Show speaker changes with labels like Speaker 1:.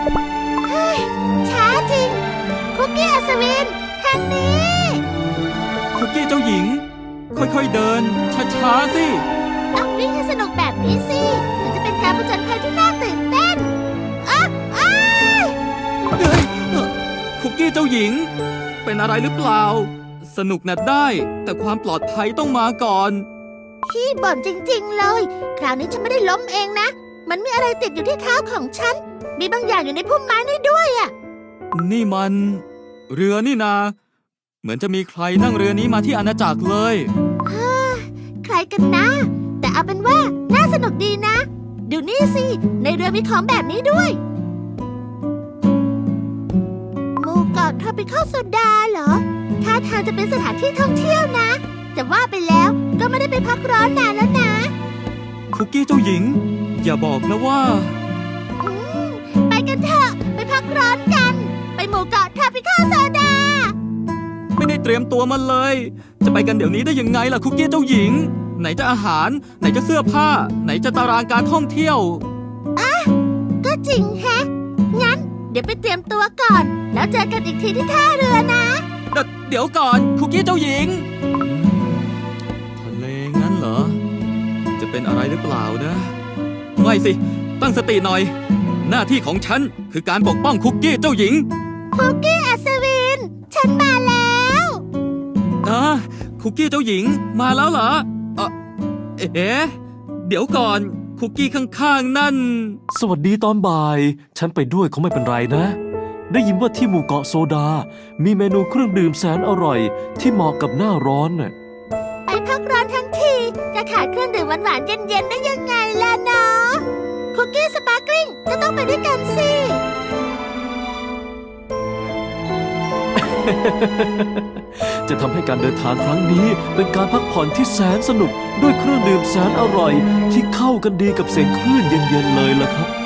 Speaker 1: เฮ้ยช้าจริงคุกกี้อัศวินทางนี้
Speaker 2: คุกกี้เจ้าหญิง ค่อยๆเดินช้าๆสิ
Speaker 1: ต้องวิ่งให้สนุกแบบนี้สิถึงจะเป็นการผจญภัยที่น่าตื่นเต้นอ้าวอ้าย
Speaker 2: เฮ้ยคุกกี้เจ้าหญิง เป็นอะไรหรือเปล่า สนุกน่ะได้ แต่ความปลอดภัยต้องมาก่อน
Speaker 1: พี่บ่นจริงๆเลย คราวนี้ฉันไม่ได้ล้มเองนะ มันมีอะไรติดอยู่ที่เท้าของฉัน มีบางอย่างอยู่ในพุ่มไม้นี่ด้วยอะ
Speaker 2: นี่มัน เรือนี่นา เหมือนจะมีใครนั่งเรือนี้มาที่อาณาจักรเลย
Speaker 1: ใครกันนะ แต่เอาเป็นว่าน่าสนุกดีนะ ดูนี่สิ ในเรือมีของแบบนี้ด้วยหมู่เกาะทรอปิคอลโซดาเหรอท่าทางจะเป็นสถานที่ท่องเที่ยวนะ แต่ว่าไปแล้วก็ไม่ได้ไปพักร้อนนานแล้วนะ
Speaker 2: คุกกี้เจ้าหญิง อย่าบอกนะว่า
Speaker 1: อืมไปกันเถอะ ไปพักร้อนกัน ไปหมู่เกาะทรอปิคอลโซดา
Speaker 2: ไม่ได้เตรียมตัวมาเลย จะไปกันเดี๋ยวนี้ได้ยังไงล่ะคุกกี้เจ้าหญิง ไหนจะอาหาร ไหนจะเสื้อผ้า ไหนจะตารางการท่องเที่ยว
Speaker 1: ก็จริงแฮะ งั้นเดี๋ยวไปเตรียมตัวก่อน แล้วเจอกันอีกทีที่ท่าเรือนะ
Speaker 2: เดี๋ยวก่อนคุกกี้เจ้าหญิง ทะเลงั้นเหรอ จะเป็นอะไรหรือเปล่านะ ไม่สิ ตั้งสติหน่อย หน้าที่ของฉันคือการปกป้องคุกกี้เจ้าหญิง
Speaker 1: คุกกี้อัศวิน ฉันมาแล้ว
Speaker 2: คุกกี้เจ้าหญิงมาแล้วเหรอเอ๊ะเดี๋ยวก่อนคุกกี้ข้างๆนั่น
Speaker 3: สวัสดีตอนบ่าย ฉันไปด้วยเขาไม่เป็นไรนะ ได้ยินว่าที่หมู่เกาะโซดา มีเมนูเครื่องดื่มแสนอร่อย ที่เหมาะกับหน้าร้อนน่ะ
Speaker 1: ไปพักร้อนทั้งทีจะขาดเครื่องดื่มหวานๆเย็นๆได้ยังไงล่ะเนาะคุกกี้สปาร์กลิงก็ต้องไปด้วยกันสิ
Speaker 3: จะทำให้การเดินทางครั้งนี้เป็นการพักผ่อนที่แสนสนุกด้วยเครื่องดื่มแสนอร่อย ที่เข้ากันดีกับเสียงคลื่นเย็นๆเลยล่ะครับ